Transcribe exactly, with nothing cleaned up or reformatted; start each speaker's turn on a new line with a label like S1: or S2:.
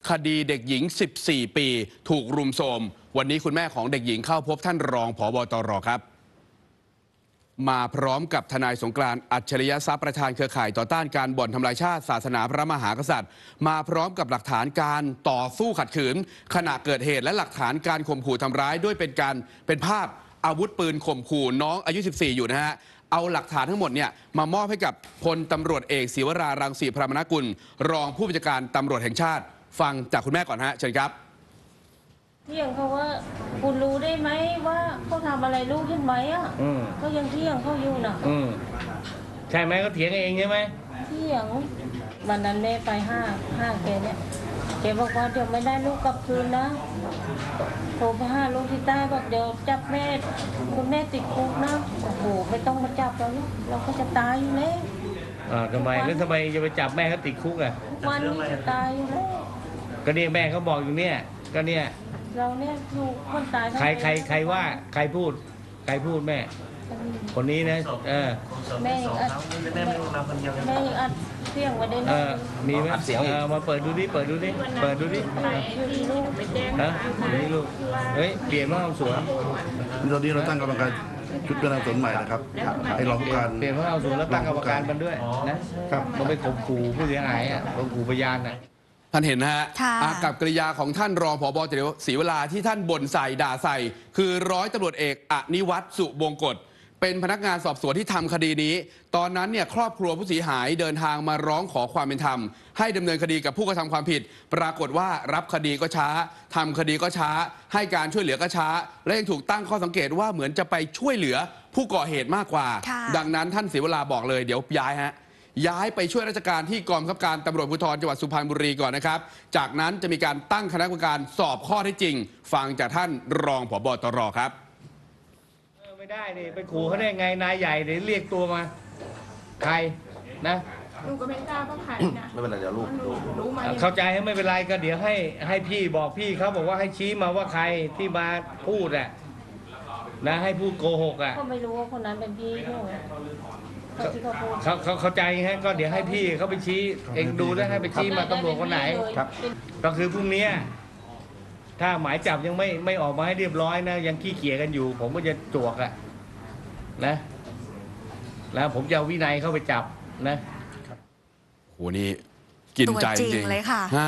S1: คดีเด็กหญิง สิบสี่ ปี ถูกรุมโทรมวันนี้คุณแม่ของเด็กหญิงเข้าพบท่านรองผบ.ตร.ครับมาพร้อมกับทนายสงกรานต์อัจฉริยทรัพย์ประธานเครือข่ายต่อต้านการบ่อนทำลายชาติศาสนาพระมหากษัตริย์มาพร้อมกับหลักฐานการต่อสู้ขัดขืนขณะเกิดเหตุและหลักฐานการข่มขู่ทำร้ายด้วยเป็นการเป็นภาพอาวุธปืนข่มขู่น้องอายุ สิบสี่ อยู่นะฮะเอาหลักฐานทั้งหมดเนี่ยมามอบให้กับพลตำรวจเอกศิวรารังสีพรามนกุลรองผู้บัญชาการตำรวจแห่งชาติฟังจากคุณแม่ก่อนฮะเชิญครับ
S2: เที่ยงเขาว่าคุณรู้ได้ไหมว่าเขาทำอะไรลูกใช่ไหมอ่ะเขายังเที่ยงเขาอยู่นะ
S3: ใช่ไหมเขาเถียงเองใช่ไหม
S2: เที่ยงวันนั้นแม่ไปห้าห้าแกเนี่ยแกบอกว่าเดี๋ยวไม่ได้ลูกกลับคืนนะโทรไปห้าลูกที่ใต้บอกเดี๋ยวจับแม่คุณแม่ติดคุกนะโอ้โหไม่ต้องมาจับเราเราก็จะตายอยู่แล้ว
S3: อ่าทำไมแล้วทำไมจะไปจับแม่เขาติดคุกอ่ะ
S2: วันนี้จะตายอยู่แล้ว
S3: ก็เนี่ยแม่เขาบอกอยู่เนี่ยก็เนี่ย
S2: เราเนี่ยถูกคนตาย
S3: ใครใครใครว่าใครพูดใครพูดแม่คนนี้นะเออ
S2: แม่อัดแม่อัดเสียงไว้ได้ไหม
S3: มีไหมเสียงมาเปิดดูดิเปิดดูดิเปิดดูดินะนี่ลูกเฮ้ยเปลี่ยนมาเอาสวน
S4: ตอนนี้เราตั้งกรรมการชุดกำลังสวนใหม่นะครับให้รองผู้การ
S3: เปลี่ยนมาเอาสวนแล้วตั้งกรรมการมันด้วยนะครับมันไปข่มขู่ผู้เสียหายอ่ะข่มขู่พยานน่ะ
S1: ท่านเห็นนะฮะอากับกริยาของท่านรองผบ.ศรีวราที่ท่านบ่นใส่ด่าใส่คือร้อยตำรวจเอกอนิวัฒน์สุบงกฎเป็นพนักงานสอบสวนที่ทำคดีนี้ตอนนั้นเนี่ยครอบครัวผู้เสียหายเดินทางมาร้องขอความเป็นธรรมให้ดำเนินคดีกับผู้กระทำความผิดปรากฏว่ารับคดีก็ช้าทำคดีก็ช้าให้การช่วยเหลือก็ช้าและยังถูกตั้งข้อสังเกตว่าเหมือนจะไปช่วยเหลือผู้ก่อเหตุมากกว่าดังนั้นท่านศรีวราบอกเลยเดี๋ยวย้ายฮะย้ายไปช่วยราชการที่กองบังคับการตำรวจภูธรจังหวัดสุพรรณบุรีก่อนนะครับจากนั้นจะมีการตั้งคณะกรรมการสอบข้อเท็จจริงฟังจากท่านรองผบ.ตร.ครับ
S3: ไม่ได้นี่ไปขู่เขาได้ไงนายใหญ่เดี๋ยวเรียกตัวมาใครนะ
S5: ลูกก็ไม่ทราบว่าใครนะ
S4: ไม่เป็นไรเดี๋ยวลูก
S5: รู้มา
S3: เข้าใจให้ไม่เป็นไรก็เดี๋ยวให้ให้พี่บอกพี่เขาบอกว่าให้ชี้มาว่าใครที่มาพูดอ่ะนะให้พูดโกหกอ่ะ
S2: ก็ไม่รู้ว่าคนนั้นเป็นพี่เขา
S3: เขาเขาเข้าใจฮะก็เดี๋ยวให้พี่เขาไปชี้เองดูแล้วให้ไปชี้มาตำรวจคนไหนครับก็คือพรุ่งนี้ถ้าหมายจับยังไม่ไม่ออกมาให้เรียบร้อยนะยังขี้เกียจกันอยู่ผมก็จะจวกอ่ะนะแล้วผมจะเอาวินัยเข้าไปจับนะ
S1: โหนี่กินใจจริงเลยค่ะ